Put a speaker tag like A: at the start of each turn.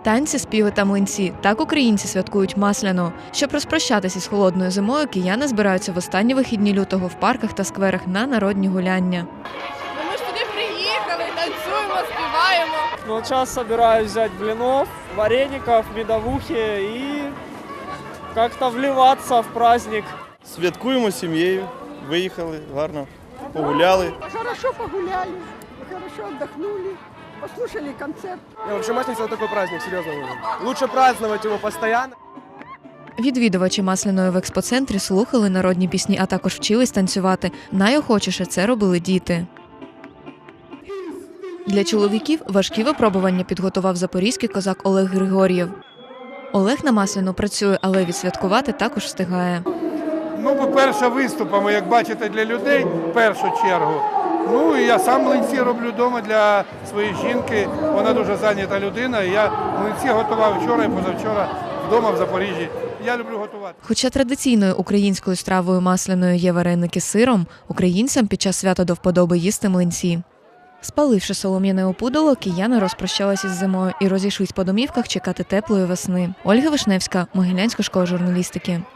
A: Танці, співи та млинці – так українці святкують Масляну. Щоб розпрощатися з холодною зимою, кияни збираються в останні вихідні лютого в парках та скверах на народні гуляння.
B: Ми ж туди приїхали, танцюємо, співаємо.
C: Ну, сейчас собираюсь взять блинов, вареников, медовухи и как-то вливаться в праздник.
D: Святкуємо з сім'єю, виїхали, гарно погуляли.
E: Хорошо погуляли, хорошо отдохнули, послушали концерт.
C: Вообще Масленица это такой праздник, серьезно. Лучше праздновать его постоянно.
A: Відвідувачі Масляної в експоцентрі слухали народні пісні, а також вчились танцювати. Найохочіше це робили діти. Для чоловіків важкі випробування підготував запорізький козак Олег Григор'єв. Олег на Масляну працює, але відсвяткувати також встигає.
F: Ну, по-перше, виступами, як бачите, для людей в першу чергу. Ну, і я сам млинці роблю вдома для своєї жінки. Вона дуже зайнята людина. І я млинці готував вчора і позавчора вдома в Запоріжжі. Я люблю готувати.
A: Хоча традиційною українською стравою Масляною є вареники з сиром, українцям під час свята до вподоби їсти млинці. Спаливши солом'яне опудало, кияни розпрощалися з зимою і розійшлись по домівках чекати теплої весни. Ольга Вишневська, Могилянська школа журналістики.